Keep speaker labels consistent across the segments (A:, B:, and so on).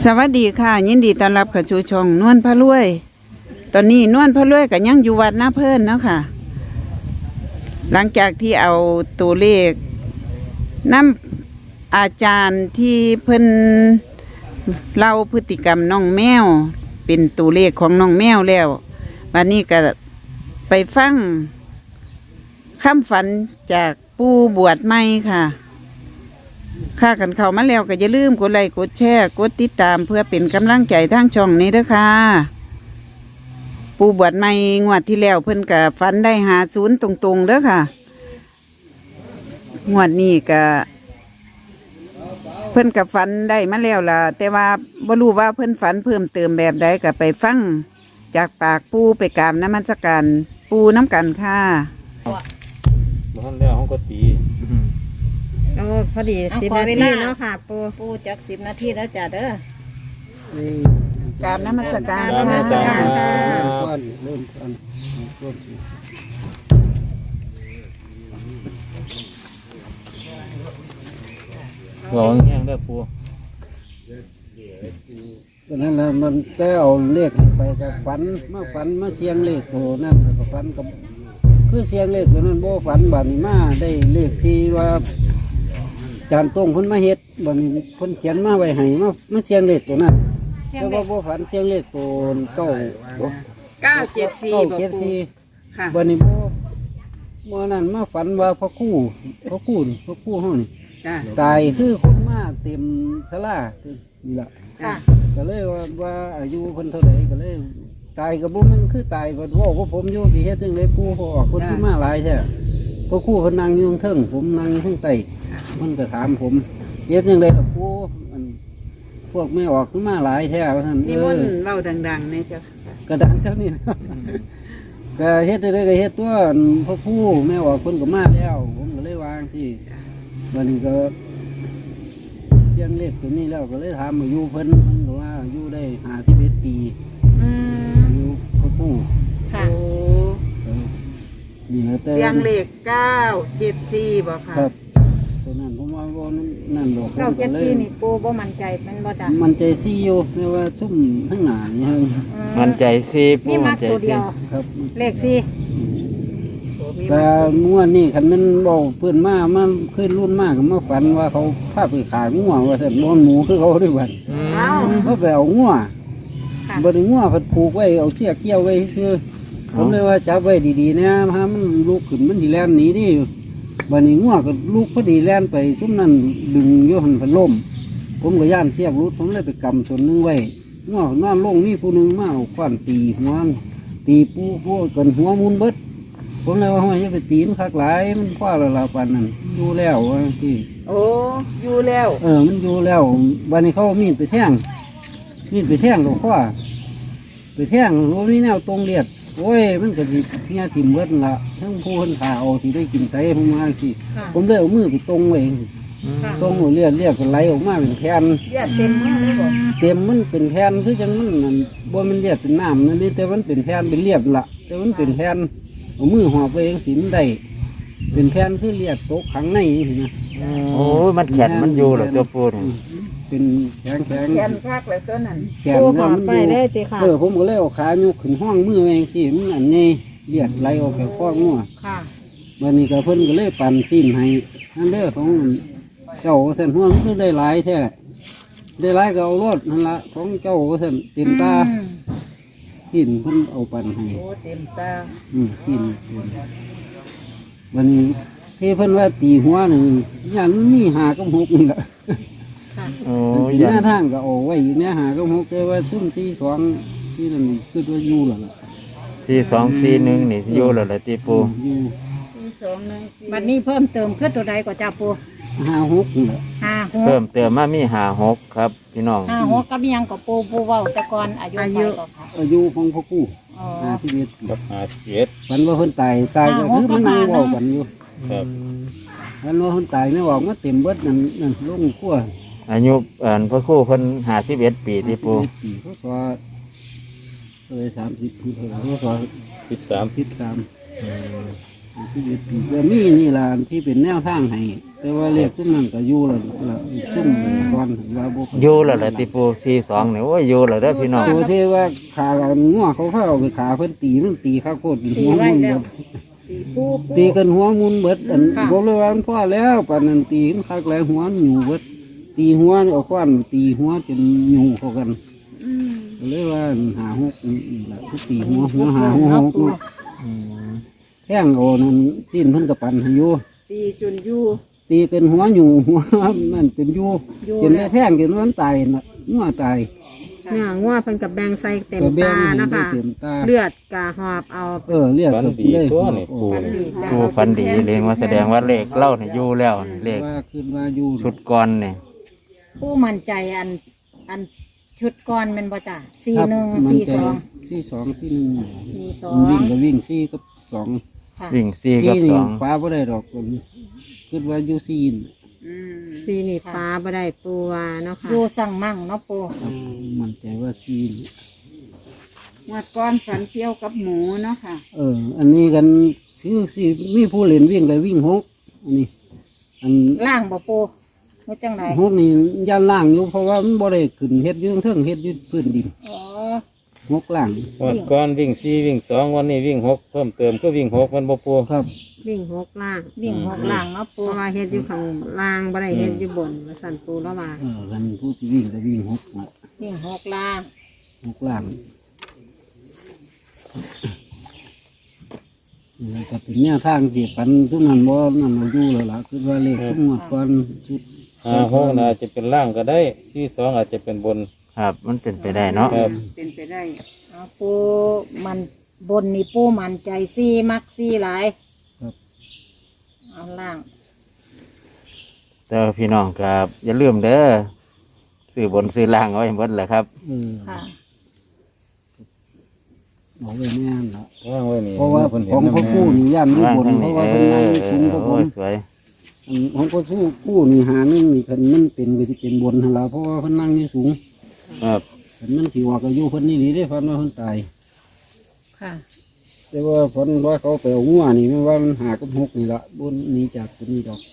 A: สวัสดีค่ะยินดีต้อนรับเข้าสู่ช่องนวลพระรวย ตอนนี้นวลพระรวยก็ยังอยู่วัดนาเพิ่นเนาะค่ะ หลังจากที่เอาตัวเลขนำอาจารย์ที่เพิ่นเล่าพฤติกรรมน้องแมวเป็นตัวเลขของน้องแมวแล้ววันนี้ก็ไปฟังคำฝันจากปู่บวชใหม่ค่ะค่ากันเข้ามาแล้วก็อย่าลืมกดไลค์กดแชร์กดติดตามเพื่อเป็นกำลังใจทางช่องนี้เด้อค่ะปู่บวชใหม่งวดที่แล้วเพิ่นก็ฝันได้50ตรงๆเด้อค่ะงวดนี้ก็เพิ่นก็ฝันได้มาแล้วล่ะแต่ว่าบ่รู้ว่าเพิ่นฝันเพิ่มเติมแบบใดก็ไปฟังจากปากปู่ไปกราบนมัสการปู่น้ำกันค่ะ
B: ท่านแล้วเขาก็ตี
C: โอ้พอดี
D: เอา
C: 10
D: ขอ
C: นา
D: เว
C: ที
D: ลา
C: เนาะค่ะปู
D: ปูจัก10 นาทีแล้วจ้ะเด้อก
A: ราบนมัสการ
B: ตามมา
A: ค่ะ
B: ตามมา
E: เริ่มต้น
B: ร้องแห้งได้ปู
E: ตอนนั้นมันแต่เอาเลขให้ไปกับฝันมาเชียงเลขตัวนั่นกับฝันกับคือเชียงเลขตัวนั้นโบฝันบาดนี้มาได้เลขที่ว่าจานตรงเพิ่นมาเฮ็ดบาดนี้เพิ่นเขียนมาไว้ให้มาเชียงเลขตัวนั้นแต่ว่าโบฝันเชียงเลขตัวเก้า
A: 974
E: เก้า
A: บ่
E: เจ็ด
A: ปู่
E: สี่
A: ค่ะ
E: บาดนี้โบเมื่อนั้นมาฝันว่าพระคู่ห้องนี่
A: จ้า
E: ตายคือคนมาเต็มศาลานี่ละ
A: จ้า
E: ก็เลยว่าอายุคนเท่าไหร่ก็เลยตายกับบุมันคือตายบ่ว่าพวกผมอยู่ที่เฮ็ดจังไดปู่พอออกคนที่มาหลายแท้พวกครู่เพิ่นนั่งอยู่ข้างเทิงผมนั่งอยู่ข้างใต้มันก็ถามผมเฮ็ดจังไดล่ะปู่มันพวกไม่ออกคือมาหลายแท้ว่าซั่น
A: นิมนต์เว้าดังๆเนี่ยเจ้าค่ะ
E: กระดังเจ้านี่นะ ก็เฮ็ดจังไดก็เฮ็ดตัวพวกครู่ไม่ออกคนก็มาแล้ว ผมก็เลยวางสิวันนี้ก็เสียงเลขตัวนี้แล้วก็เลยถามอายุเพิ่นก็ว่าอายุได้51 ปี
D: อืม
E: อายุพวกครู่
D: ค่ะ
A: โอ้
E: นี่นะแต่
A: เสียงเลข974บ่ค่ะ
E: ครับตัวนั้นผมว่าบ่นั่นดอก
D: 974นี่ปูบ่มั่นใจมันบ่จ้ะ
E: มันใจซี่อยู่แต่ว่าซุ่มทั้งหน้านี่ฮะ
B: มันใจซีปู
D: มี
B: มั
D: มาน
B: ใจ
D: ตัว
B: ซี
D: เดียว
E: ครับ
D: เลข4
E: แต่ม่วนนี่คันมันบอกเพื่อนมาขึ้นรุ่นมากก็มาฝันว่าเขาพาไปขายงัวว่าซั่นบ่หมูคือเขาด้วยบัด
A: เอ้า
E: เขาไปเอางัว
D: ค่ะ
E: บ่ได้งัวเพิ่นผูกไว้เอาเชือกเกี่ยวไว้ซื่อผมเลยว่าจับไว้ดีๆนะถ้ามันลุกขึ้นมันสิแล่นหนีดิบัดนี้งัวก็ลุกพอดีแล่นไปซุมนั้นดึงอยู่หั่นเพิ่นล้มผมก็ย่านเชือกรุดผมเลยไปกำส่วนหนึงไว้งัวนอนลงนี่ผู้หนึงมาเอาขวานตีหัวมันตีปูกันหัวมุนเบิดผมเลยว่าห้อยอย่าไปตีมันคักหลายมันคว้าและลาปานนั้นอยู่แล้วว่าสิ
A: โอ้อยู่แล้ว
E: มันอยู่แล้วบัดนี้เขาเอามีดไปแทงกับคว้าไปแทงโอ้นี่แนวตรงเลียดโอ้ยมันก็สิเพี้ยถิ่มเบิดนั่นละทั้งผู้คนขาเอาสิได้กินใส่ผมมาสิ
D: ค่ะ
E: ผมเลยเอามือไปตรงไว้
D: ค่ะ
E: ตรงเลียดก็ไหลออกมาเป็นแผ่น
A: เลือดเต็มมือเลยบ่
E: เต็มมันเป็นแผ่นคือจังมันนั่นบ่มันเลียดเป็นน้ำนั่นนี่แต่มันเป็นแผ่นเป็นเลียดละแต่มันเป็นแผ่นเอามือหอบไปเองสิมันได้เป็นแผ่นคือเลียดตกขังในอย่างนี้นะ
B: โอ้ยมันแข็งมันอยู่หรอกตัวปูนี่
E: เป็นแข็ง
A: แขนคักเลยตัวนั้น
E: แข็ง
C: ปู
E: แล้
C: ข
E: ว
C: อ
E: มัน
C: ไป
E: อยู่
C: เลยติค่ะ
E: ผมก็เลยเอาขายกขึ้นห้องมือเองสิมันอันนี้เลียดไหลออกจากข้องัว
D: ค่ะ
E: วันนี้ก็เพิ่นก็เลยปั่นสิ้นให้นั่นเด้อของเจ้าเส้นหัวมันคือได้หลายแท้ได้หลายก็เอารถนั่นละของเจ้าเส้นเต็มตาสิ้นเพิ่นเอาปั่นให้
A: โอ้เต็มตา
E: สิ้นวันนี้ที่เพิ่นว่าตีหัวหนึ่งยันมีหากับหกนี่แหละ
B: โอ้
E: เป็น
B: ย
E: หน้าทางก็เอาไว้อยู่เนี่ยหากับหกแต่ว่าซุ่มที่สองที่นั่นคือว่าอยู่แล้วล่ะ
B: ที่241นี่อยู่แล้วล่ะที่ปู
E: อยู่
D: บัดนี้เพิ่มเติมคือตัวใดก็จ้ะปู
E: 5 6นี่แหละ
B: เพิ่ม
D: 56
B: เติมมามี56ครับพี่น้อง
D: 56กับยังก็ปูเว้าแต่ก่อนอายุไปก็ค่ะ
E: อายุของพ่อกู้
D: อ๋อ
E: 51
B: กับ57
E: ฝันว่าคนตายก็คือมันนั่งเว้ากันอยู่
B: ครับ
E: ฝันว่าคนตายไม่บอกมาเต็มเบิดนั่นลงขั้ว
B: อายุพระครูเพิ่น51 ปีที่ปู
E: ปีเขาก็เลย30ปีเขาก็
B: 13
E: 13 51 ปีก็มีนี่ล่ะที่เป็นแนวทางให้แต่ว่าเลขซุ่มนั้นก็อยู่แล้วซุ่มก่อนว่าบ่
B: อยู่แล้วแหละติปู42นี่โอ้ยอยู่แล้วเด้อพี่น้อง
E: ตัวที่ว่าขางัวเขาเอาไปขาเพิ่นตีมันตีข้าวโคตรหัวมุนเบิด
D: ตีปู
E: ตีกันหัวมุนเบิดอันบอกเลยว่ามันพอแล้วปานนั้นตีมันคักแล้วหัวมันอยู่เบิดตีหัวนี่เอาควันตีหัวจนอยู่เข้ากันก็เลยว่า56นี่ล่ะคือตีหัว56เนาะ
B: อืม
E: แท่งเอานั่นจิ้นเพิ่นก็ปั่นให้อยู่
D: ตีจนอยู่
E: ตีกันหัวอยู่หัวนั่นจนอยู่จนได้แท่งจนมันตายน่ะงัวตาย
C: เนื้องัวเพิ่นกับแบงใส่เต็ม
E: ก็แบ่ง
C: ตา
E: ให้
C: นะ
E: ได้
C: คะ
E: เต็มตา
C: เลือดกะหอบเอา
E: เรียก
B: ฝัน
E: ก็
B: ดี
E: ได้
B: ตัวนี่ปู
D: ฝันดีจ้ะ
B: ปูฝันดีเลยว่าแสดงว่าเลขเล่านี่อยู่แล้วนี่เลข
E: ว่าขึ้นว่าอยู่
B: ชุดก่อนนี่
C: ปูมั่นใจอันชุดก่อนแม่นบ่จ้ะ
E: ครับ
C: 41
E: มันจะ
C: 42
E: 42ที่หนึ่ง
C: 42
E: วิ่งก็วิ่ง4กับ2
C: ค่ะ
B: วิ่ง4กับ
E: นี่
B: 2
E: ฟ้าบ่ได้ดอกขึ้นว่าอยู่4น่ะ
C: สีนี่ฟ้าบ่ได้ปูว่าเนาะค่ะ
D: อยู่สั่งมั่งเนาะปู
E: ครับมันใจว่า4นี่
A: งวดก้อนฝันเกี่ยวกับหมูเนาะค่ะ
E: อันนี้กันซื้อสิมีผู้เล่นวิ่งก็วิ่ง6อันนี้อัน
D: ล่างบ่ปูว่าจังได
E: 6นี่ย่านล่างอยู่เพราะว่ามันบ่ได้ขึ้นเฮ็ดอยู่เทิงเฮ็ดอยู่พื้นดิน
D: อ๋อ
E: 6ล่าง
F: วันก่อนวิ่ง4วิ่ง2วันนี้วิ่ง6เพิ่มเติมก็วิ่ง6มันบ่ปู
E: ครับ
C: วิ่ง6ล่าง
D: วิ่งหกล่างเนาะ
C: เพ
D: ปู
C: ราะว่าเฮ็ดอยู่ข้างล่างบ่ได้เฮ็ดอยู่บนว่าสั่นปูแล้วว่า
E: กันผู้ที่วิ่งก็วิ่ง6น่ะ
D: วิ่งหกล่าง
E: 6ล่างนี่ก็เป็นแนวทางที่ปันทุกนั้นบ่นั่นเอาอยู่แล้วล่ะคือว่าเลขทุกงวดก่อนชุด
F: 56น่าจะเป็นล่างก็ได้42อาจจะเป็นบน
B: ครับมันเป็นไปได้เนาะ
F: ครับ
A: เป็นไปได้
D: เอาปูมันบนนี่ปูมันใจซี่มักซี่หลาย
E: ครับ
D: เอาล่าง
B: แต่ว่าพี่น้องครับอย่าลืมเด้อซื้อบนซื้อล่างเอาไว้หมดแหละครับ
D: ค่ะ
E: บอกไว้แน่นละ
F: ว่างไว้นี่
E: เพราะว่า
F: เพิ่น
E: ข
F: เห็
E: อง
F: น
E: พ่อ
F: นำ
E: ผู้นี่ย่านอยู่
B: ว่าง
E: บน
B: ทั้ง
E: เพ
B: นี้
E: ราะว่าเป็นนั่งสูงกว่าผ
B: โอ้
E: ม
B: ยสวย
E: อันของพ่อผู้นี่หาหนึงนี่คันมันเป็นก็จะเป็นบนหั่นล่ะเพราะว่าเพิ่นนั่งอยู่สูง
B: ครับ
E: คันมันสิว่าก็อยู่เพิ่นนี่นี่ได้ฟันว่าเพิ่นตาย
D: ค่ะ
E: แต่ว่าเพิ่นว่าเขาไปเอางัวนี่มันว่ามันหากับ6นี่ละบนหนี้จากตัวนี้ดอก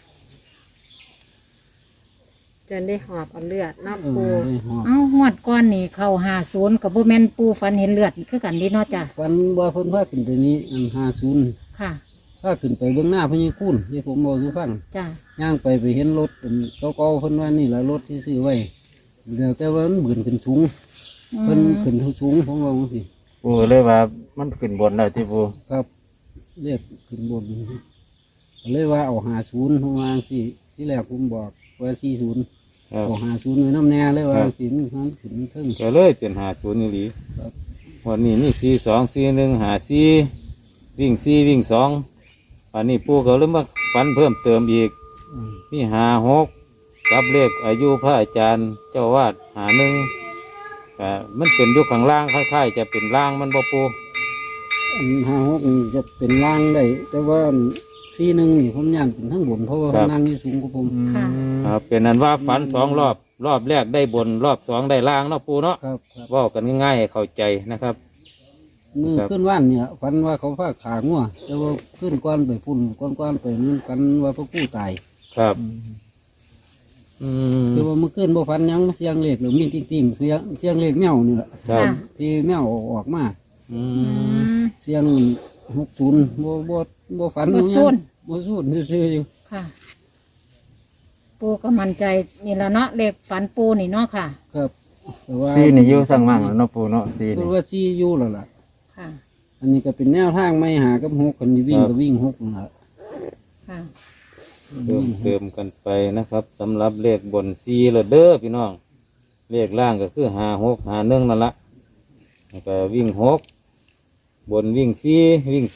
C: จนได้หอบเอาเลือดเนาะ
E: เอ
C: ปู
E: อได้ฮอด
D: เอางวดก้อนนี่เข้า50กับบ่แม่นปูฝันเห็นเลือดคือกันเดีเนาะจ้ะ
E: ฟันว่าเพิ่นพาขึ้นไปนี้อัน50
D: ค่ะ
E: พาขึ้นไปเบื้องหน้าพญาคุณที่ผมบอกสู่ฟัง
D: จ้ะ
E: ย่างไปเห็นรถอันเก่าๆเพิ่นว่านี่แหละรถที่ซื้อไว้เดี๋ยวแต่ว่ามันเบื่นขึ้นสูงเพิ่นขึ้นสูงผมว่าจังซี่
B: ปูเลยว่ามันขึ้นบนแล้วที่ปู
E: ครับเรียกขึ้นบนก็เลยว่าเอา50ผมว่าจังซี่ที่แรกผมบอกว่า40
F: ครับ
E: เอา50ไว้น้ำแน่เลยว่าจังซี่มันขึ้นเทิง
F: ก็เลยเป็น50นี่หลี
E: ครับ
F: วันนี้มี42 41 54วิ่ง4วิ่ง2อันนี้ปูก็เลยมาฝันเพิ่มเติมอีก
E: อืม
F: มี56กับเลขอายุพระอาจารย์เจ้าวาด51ก็มันเป็นอยู่ข้างล่างคล้ายๆจะเป็นล่างมันบ่ปู
E: อัน56นี่จะเป็นล่างได้แต่ว่า41นี่ผมย่านเป็นทั้งบนเพราะว่าเพิ่นนั่งอยู่สูงกว่าผม
D: ค่ะ
F: ครับเป็นนั้นว่าฝัน2รอบรอบแรกได้บนรอบ2ได้ล่างเนาะปูเนาะ
E: ครับครับ
F: เว่ากันง่ายๆให้เข้าใจนะครับ
E: มือ
F: ครับ
E: ขึ้นว่านเนี่ยฟันว่าเขาพาขางัวแต่ว่าขึ้นก้อนไปฝุ่นก้อนไปมันกันว่าพระกู้ตาย
F: ครับอืม
E: คือว่าเมื่อคืนบ่ฟันหยังเสียงเล็กหรือมีติ่งๆเสียงเล็กแมวนี่แหละ
F: ครับ
E: ที่แมวออกมา
F: อื
D: อื
F: ม
D: ม
E: เสียง60บ่ฟัน
D: บ่สูน
E: บ่สูนซื่อๆอยู่
D: ค่ะ ปูก็มั่นใจนี่ละเนาะเลขฝันปูนี่เนาะค่ะ
E: ครับแต่ว่า
B: ซีนี่อยู่สั่งมั่งแล้วเนาะปูเนาะซี
E: คื
B: นี่
E: อว่าจี้อยู่แล้วล่ะ
D: ค่ะ
E: อันนี้ก็เป็นแนวทางไม่หากับ6กันวิ่งก็วิ่ง6นั่นล่ะ
D: ค่ะ
F: เติมเติมกันไปนะครับสำหรับเลขบนซีละเด้อพี่น้องเลขล่างก็คือ56 51นั่นละแล้วก็วิ่ง6บนวิ่ง4วิ่ง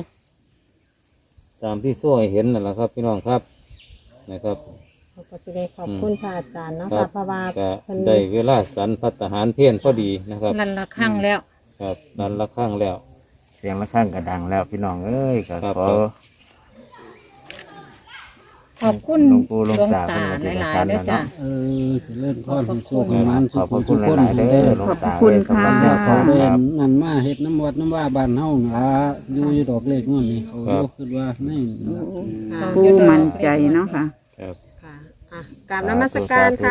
F: 2ตามที่โซ่ให้เห็นนั่นแหละครับ พี่น้องครับนะครับ
C: เขาก็สิได้ขอบคุณพระอาจารย์เนาะ
F: ครั
C: ค่ะ
F: บ
C: เพราะว่า
F: ก็
C: เพิ่น
F: ได้เวลาสันพัฒหารเพี้ยนพอดีนะครับ
D: นั่นละครั้งแล้ว
F: ครับนันละข้างแล้ว
B: เสียงละข้างกระดังแล้วพี่น้องเอ้ยก็
F: ครับ
B: ขอ
D: ขอบคุณ
B: หลวงปู่หลวงตา
D: หลายๆเด้อจ้ะ
E: เจะเล่นพรให้โชคให้มัน
B: ขอบพระคุณ
E: ทุกคน
B: หลายๆเด้อหลวงตา
A: ขอบพระคุณค่ะ
B: สำหรับแนวทาง
E: เดิ
B: คน รับ
E: นั่นมาเฮ็ดน้ำวัดน้ำว่าบ้านเฮาล่ะอยู่ดอกเลขนู่นนี่เขาคิดว่าใน
A: ปูมั่นใจเนาะค่ะ
F: ครับ
G: ค่ะอ่ะกราบนมัสการค่ะ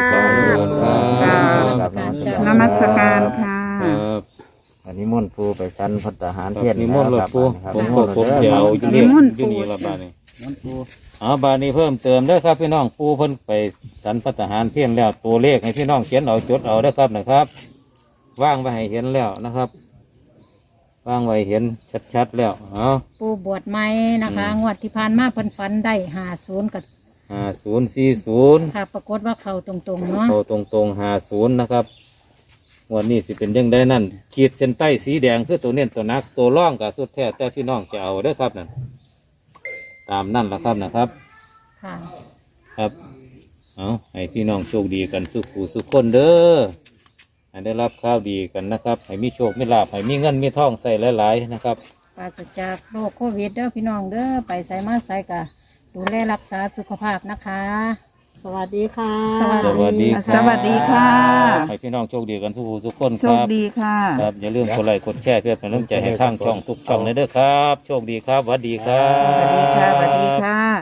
A: นมัสการค่ะ
F: ครับ
B: อันนี้มนต์ปูไปชั้นพัฒหาร
F: ครับ
B: เพียร
F: นิมนต์หลวงปู่
B: ครับ
F: ผมก็ผมจะเอาอยู่
A: นิ
F: นี่
A: มนต์
F: อยู่
A: ปู่
F: นี่ละบาดนี้
E: น้ำปู
F: บาดนี้เพิ่มเติมเด้อครับพี่น้องปู่เพิ่นไปสันพัฒหารเพียงแล้วตัวเลขให้พี่น้องเขียนเอาจดเอาเด้อครับนะครับว่างไว้ให้เห็นแล้วนะครับว่างไว้เห็นชัดๆแล้วเอา
D: ปูบวชใหม่นะคะงวดที่ผ่านมาเพิ่นฝันได้50กับ
F: 5040
D: ค่ะปรากฏว่าเข้าตรงๆเนาะ
F: โตตรง50นะครับวันนี้สิเป็นยังได้นั่นขีดเส้นใต้สีแดงคือตัวเน้นตัวนักตัวร่องกับสุดแท้แต่พี่น้องจะเอาเด้อครับนั่นตามนั่นละครับนะครับ
D: ค่ะ
F: ครับ เอาให้พี่น้องโชคดีกันสุขูสุขคนเด้อให้ได้รับข้าวดีกันนะครับ ให้มีโชคมีลาภให้มีเงินมีทองใส่หลายๆนะครับ
D: ปราศจากโรคโควิดเด้อพี่น้องเด้อไปใส่มาใส่กะดูแลรักษาสุขภาพนะคะ
G: สวัสดีค่ะ
F: สวัสดีครับ
A: สวัสดีค่ะ
F: ให้พี่น้องโชคดีกันสุขูสุขคน
A: โช
F: ค
A: ค
F: รับ
A: ดีค่ะ
F: ครับอย่าลืมกดไลค์กดแชร์เพื่อเป็นกำลังใจให้ทางช่องทุกช่องเลยเด้อครับ โชคดีครับสวัสดีครั
A: สวัสดี
F: บ
A: ค่ะ สวัสดีค่ะ